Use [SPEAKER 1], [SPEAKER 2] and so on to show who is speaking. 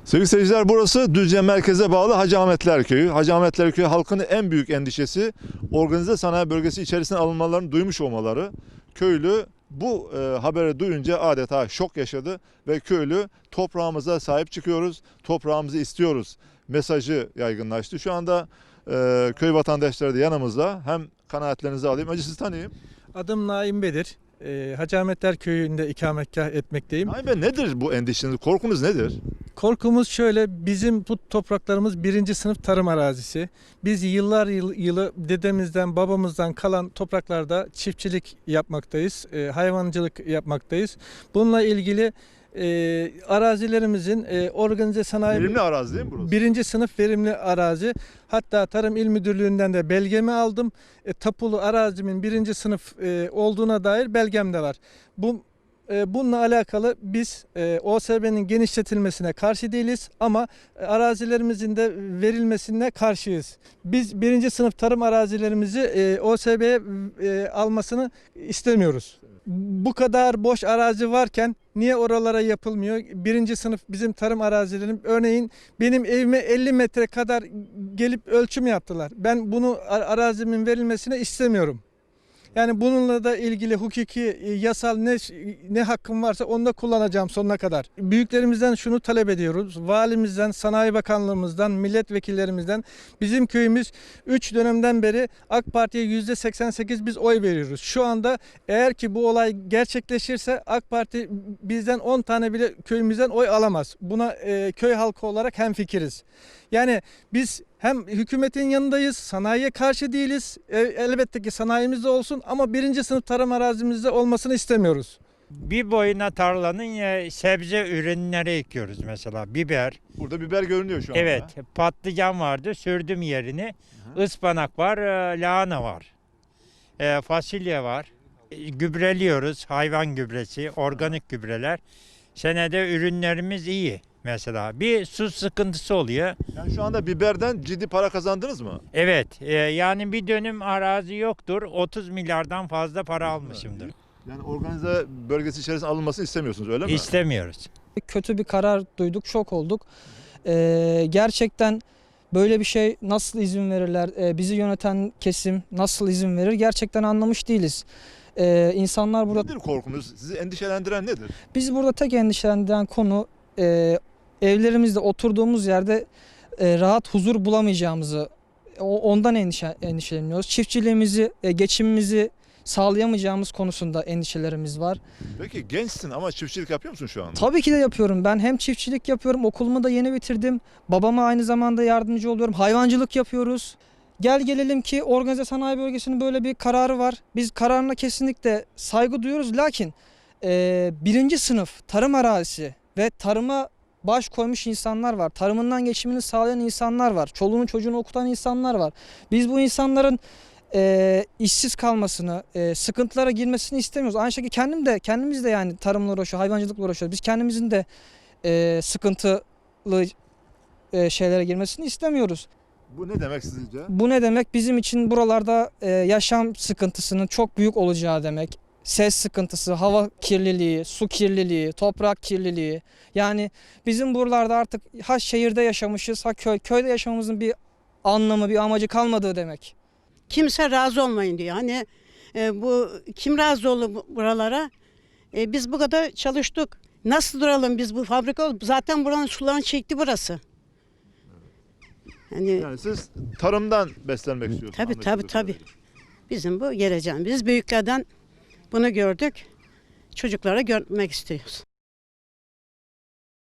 [SPEAKER 1] Sevgili seyirciler, burası Düzce merkeze bağlı Hacı Ahmetler Köyü. Hacı Ahmetler Köyü halkının en büyük endişesi organize sanayi bölgesi içerisine alınmalarını duymuş olmaları. Köylü bu haberi duyunca adeta şok yaşadı ve köylü toprağımıza sahip çıkıyoruz, toprağımızı istiyoruz mesajı yaygınlaştı. Şu anda köy vatandaşları da yanımızda. Hem kanaatlerinizi alayım. Önce sizi tanıyayım.
[SPEAKER 2] Adım Naim Bedir. Hacı Ahmetler Köyü'nde ikametgah etmekteyim.
[SPEAKER 1] Naim Bey, nedir bu endişeniz, korkunuz nedir?
[SPEAKER 2] Korkumuz şöyle, bizim bu topraklarımız birinci sınıf tarım arazisi. Biz yıllar yılı dedemizden, babamızdan kalan topraklarda çiftçilik yapmaktayız, hayvancılık yapmaktayız. Bununla ilgili arazilerimizin organize sanayi...
[SPEAKER 1] Verimli arazi değil mi burası?
[SPEAKER 2] Birinci sınıf verimli arazi. Hatta Tarım İl Müdürlüğü'nden de belgemi aldım. Tapulu arazimin birinci sınıf olduğuna dair belgem de var. Bununla alakalı biz OSB'nin genişletilmesine karşı değiliz ama arazilerimizin de verilmesine karşıyız. Biz birinci sınıf tarım arazilerimizi OSB'ye almasını istemiyoruz. Bu kadar boş arazi varken niye oralara yapılmıyor? Birinci sınıf bizim tarım arazilerim, örneğin benim evime 50 metre kadar gelip ölçüm yaptılar. Ben bunu arazimin verilmesine istemiyorum. Yani bununla da ilgili hukuki, yasal ne hakkım varsa onu da kullanacağım sonuna kadar. Büyüklerimizden şunu talep ediyoruz. Valimizden, Sanayi Bakanlığımızdan, milletvekillerimizden. Bizim köyümüz 3 dönemden beri AK Parti'ye %88 biz oy veriyoruz. Şu anda eğer ki bu olay gerçekleşirse AK Parti bizden 10 tane bile köyümüzden oy alamaz. Buna köy halkı olarak hemfikiriz. Yani biz hem hükümetin yanındayız, sanayiye karşı değiliz. Elbette ki sanayimiz de olsun ama birinci sınıf tarım arazimizde olmasını istemiyoruz.
[SPEAKER 3] Bir boyuna tarlanın sebze ürünleri ekiyoruz mesela. Biber.
[SPEAKER 1] Burada biber görünüyor şu anda.
[SPEAKER 3] Evet, patlıcan vardı, sürdüm yerini. Ispanak var, lahana var. Fasulye var. Gübreliyoruz, hayvan gübresi, organik gübreler. Senede ürünlerimiz iyi mesela. Bir su sıkıntısı oluyor.
[SPEAKER 1] Yani şu anda biberden ciddi para kazandınız mı?
[SPEAKER 3] Evet, yani bir dönüm arazi yoktur. 30 milyardan fazla para almışımdır.
[SPEAKER 1] Yani organize bölgesi içerisine alınmasını istemiyorsunuz, öyle mi?
[SPEAKER 3] İstemiyoruz.
[SPEAKER 4] Kötü bir karar duyduk, şok olduk. Gerçekten böyle bir şey nasıl izin verirler? Bizi yöneten kesim nasıl izin verir? Gerçekten anlamış değiliz. İnsanlar burada...
[SPEAKER 1] Nedir korkunuz? Sizi endişelendiren nedir?
[SPEAKER 4] Bizi burada tek endişelendiren konu evlerimizde oturduğumuz yerde rahat huzur bulamayacağımızı, ondan endişeleniyoruz. Çiftçiliğimizi, geçimimizi sağlayamayacağımız konusunda endişelerimiz var.
[SPEAKER 1] Peki gençsin ama çiftçilik yapıyor musun şu anda?
[SPEAKER 4] Tabii ki de yapıyorum. Ben hem çiftçilik yapıyorum, okulumu da yeni bitirdim. Babama aynı zamanda yardımcı oluyorum. Hayvancılık yapıyoruz. Gelelim ki organize sanayi bölgesinin böyle bir kararı var. Biz kararına kesinlikle saygı duyuyoruz. Lakin birinci sınıf tarım arazisi ve tarıma baş koymuş insanlar var. Tarımından geçimini sağlayan insanlar var. Çoluğunu çocuğunu okutan insanlar var. Biz bu insanların işsiz kalmasını, sıkıntılara girmesini istemiyoruz. Aynı şekilde kendimiz de yani tarımla uğraşıyoruz, hayvancılıkla uğraşıyoruz. Biz kendimizin de sıkıntılı şeylere girmesini istemiyoruz.
[SPEAKER 1] Bu ne demek sizce?
[SPEAKER 4] Bu ne demek? Bizim için buralarda yaşam sıkıntısının çok büyük olacağı demek. Ses sıkıntısı, hava kirliliği, su kirliliği, toprak kirliliği. Yani bizim buralarda artık ha şehirde yaşamışız, ha köyde yaşamamızın bir anlamı, bir amacı kalmadığı demek.
[SPEAKER 5] Kimse razı olmayın diyor. Hani bu kim razı olur buralara? Biz bu kadar çalıştık. Nasıl duralım biz bu fabrika? Zaten buranın sularını çekti burası.
[SPEAKER 1] Yani siz tarımdan beslenmek istiyorsunuz.
[SPEAKER 5] Tabii. Bizim bu geleceğimiz. Biz büyüklerden bunu gördük. Çocuklara görmek istiyoruz.